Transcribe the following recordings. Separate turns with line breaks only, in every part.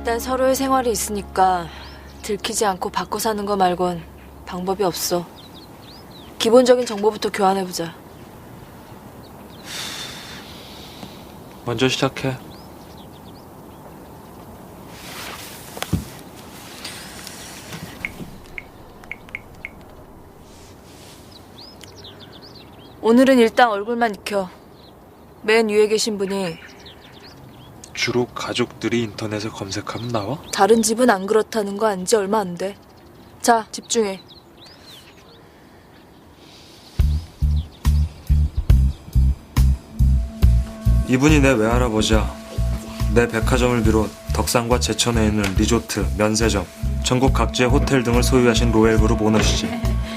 일단 서로의 생활이 있으니까 들키지 않고 바꿔 사는 거 말곤 방법이 없어. 기본적인 정보부터 교환해보자.
먼저 시작해.
오늘은 일단 얼굴만 익혀. 맨 위에 계신 분이
주로 가족들이 인터넷에 검색하면 나와?
다른 집은 안 그렇다는 거 안지 얼마 안 돼. 자, 집중해.
이분이 내 외할아버지야. 내 백화점을 비롯 덕산과 제천에 있는 리조트, 면세점, 전국 각지의 호텔 등을 소유하신 로얄그룹 오너시지.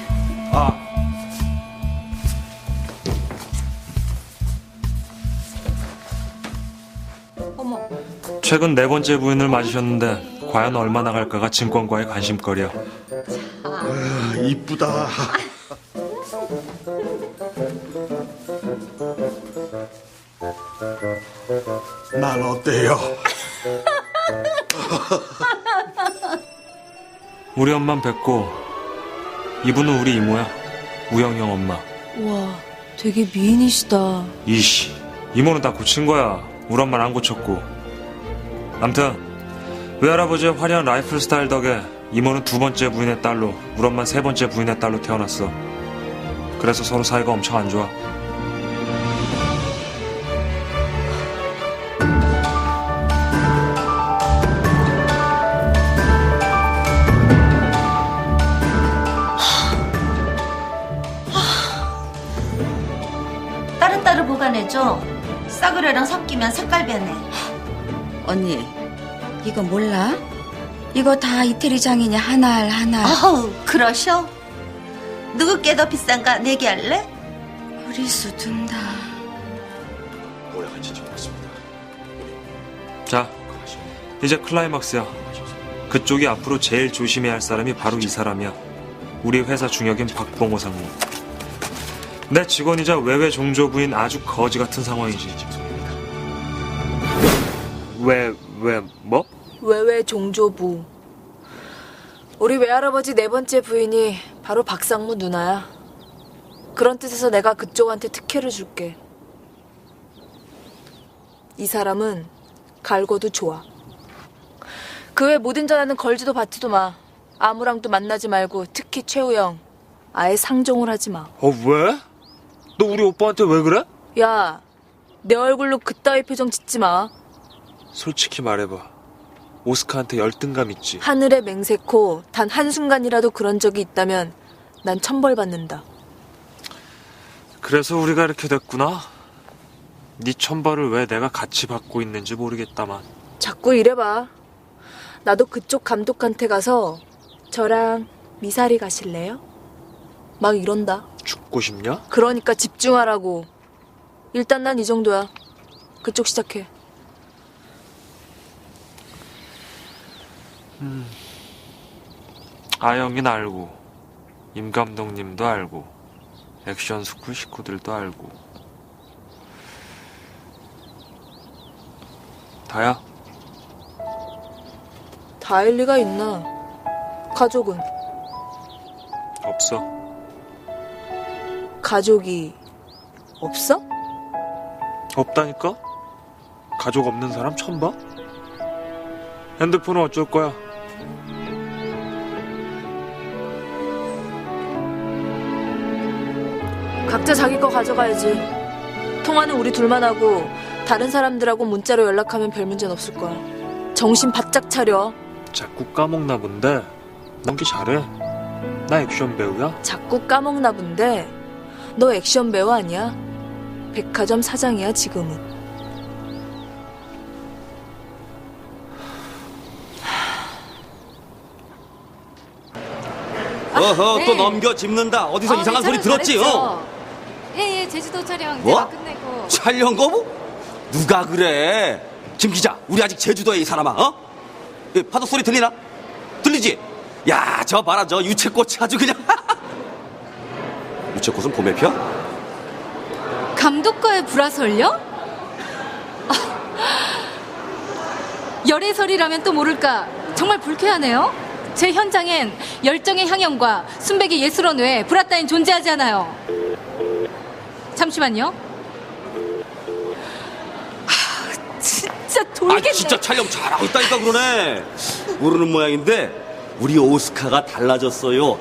어머.
최근 네 번째 부인을 맞으셨는데 과연 얼마 나갈까가 증권가의 관심거리야.
이쁘다. 난 어때요?
우리 엄만 뵙고 이분은 우리 이모야. 우영영 엄마.
와, 되게 미인이시다.
이씨, 이모는 다 고친 거야. 우리 엄마는 안 고쳤고. 암튼 외할아버지의 화려한 라이프 스타일 덕에 이모는 두 번째 부인의 딸로, 우리 엄마는 세 번째 부인의 딸로 태어났어. 그래서 서로 사이가 엄청 안 좋아.
다른 딸을 보관해줘. 싸구려랑 섞이면 색깔 변해.
언니, 이거 몰라? 이거 다 이태리 장인이 하나알 하나.
어우, 그러셔? 누구 게 더 비싼가 내기 할래?
우리수 둔다.
모양을 지켜보겠습니다.
자, 이제 클라이막스야. 그쪽이 앞으로 제일 조심해야 할 사람이 바로 이 사람이야. 우리 회사 중역인 박봉호 상무. 내 직원이자 외외 종조 부인 아주 거지 같은 상황이지. 뭐?
외외 종조부. 우리 외할아버지 네 번째 부인이 바로 박상무 누나야. 그런 뜻에서 내가 그쪽한테 특혜를 줄게. 이 사람은 갈고도 좋아. 그 외 모든 전화는 걸지도 받지도 마. 아무랑도 만나지 말고 특히 최우영 아예 상종을 하지 마.
왜? 너 우리 오빠한테 왜 그래?
야, 내 얼굴로 그따위 표정 짓지 마.
솔직히 말해봐. 오스카한테 열등감 있지?
하늘에 맹세코 단 한순간이라도 그런 적이 있다면 난 천벌받는다.
그래서 우리가 이렇게 됐구나. 네 천벌을 왜 내가 같이 받고 있는지 모르겠다만.
자꾸 이래봐. 나도 그쪽 감독한테 가서 저랑 미사리 가실래요? 막 이런다.
죽고 싶냐?
그러니까 집중하라고. 일단 난 이 정도야. 그쪽 시작해.
아영이는 알고, 임 감독님도 알고, 액션 스쿨 식구들도 알고. 다야?
다일 리가 있나. 가족은?
없어.
가족이 없어?
없다니까? 가족 없는 사람 처음 봐? 핸드폰은 어쩔 거야?
각자 자기 거 가져가야지. 통화는 우리 둘만 하고 다른 사람들하고 문자로 연락하면 별 문제는 없을 거야. 정신 바짝 차려.
자꾸 까먹나 본데 연기 잘해. 나 액션 배우야.
자꾸 까먹나 본데 너 액션 배우 아니야? 백화점 사장이야 지금은.
어허, 또 넘겨 짚는다. 어디서 이상한 소리 들었지?
예, 제주도 촬영
뭐?
이제 막 끝내고.
촬영 거부? 누가 그래? 김 기자, 우리 아직 제주도에 이 사람아, 파도 소리 들리나? 들리지? 야, 저 봐라, 저 유채꽃이 아주 그냥. 유채꽃은 봄에 펴?
감독과의 불화설요? 열애설이라면 또 모를까. 정말 불쾌하네요. 제 현장엔 열정의 향연과 순백의 예술원 외에 불화 따윈 존재하지 않아요. 잠시만요. 진짜 돌겠네.
진짜 촬영 잘하고 있다니까 그러네. 모르는 모양인데 우리 오스카가 달라졌어요.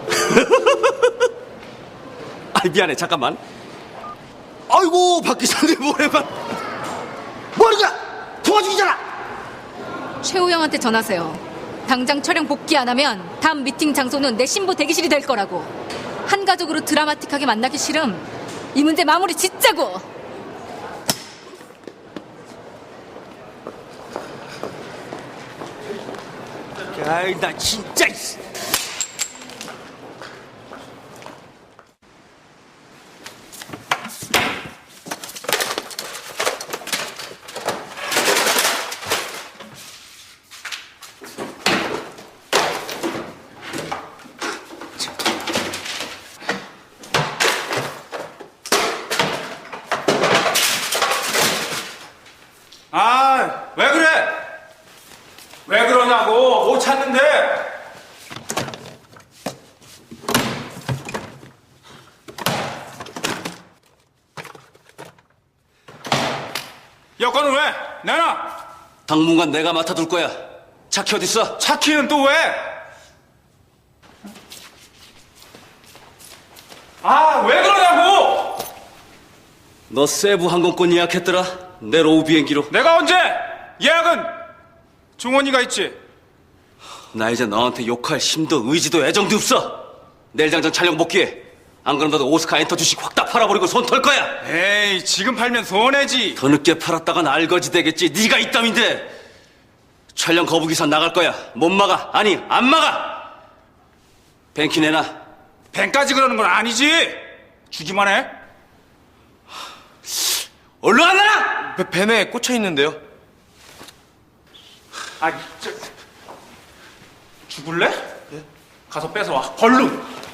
미안해, 잠깐만. 아이고, 박 기사님 오랜만. 뭐하는 거야? 통화 중이잖아.
최우영한테 전하세요. 당장 촬영 복귀 안 하면 다음 미팅 장소는 내 신부 대기실이 될 거라고. 한가족으로 드라마틱하게 만나기 싫음. 이 문제 마무리 짓자고.
아이, 나 진짜.
아, 왜 그래? 왜 그러냐고, 못 찾는데. 여권은 왜? 내놔.
당분간 내가 맡아둘 거야. 차키 어딨어?
차키는 또 왜? 아, 왜 그러냐고!
너 세부 항공권 예약했더라. 내 로우 비행기로.
내가 언제? 예약은 종원이가 있지.
나 이제 너한테 욕할 힘도 의지도 애정도 없어. 내일 당장 촬영 복귀해. 안 그럼 너도 오스카 엔터 주식 확 다 팔아버리고 손 털 거야.
에이, 지금 팔면 손해지.
더 늦게 팔았다간 알거지 되겠지. 네가 이땀인데. 촬영 거부 기사 나갈 거야. 못 막아. 아니, 안 막아. 뱅키 내놔.
뱅까지 그러는 건 아니지. 주기만 해.
얼른 안 나라!
벤에 꽂혀 있는데요. 아, 죽을래? 가서 뺏어와. 벌룬.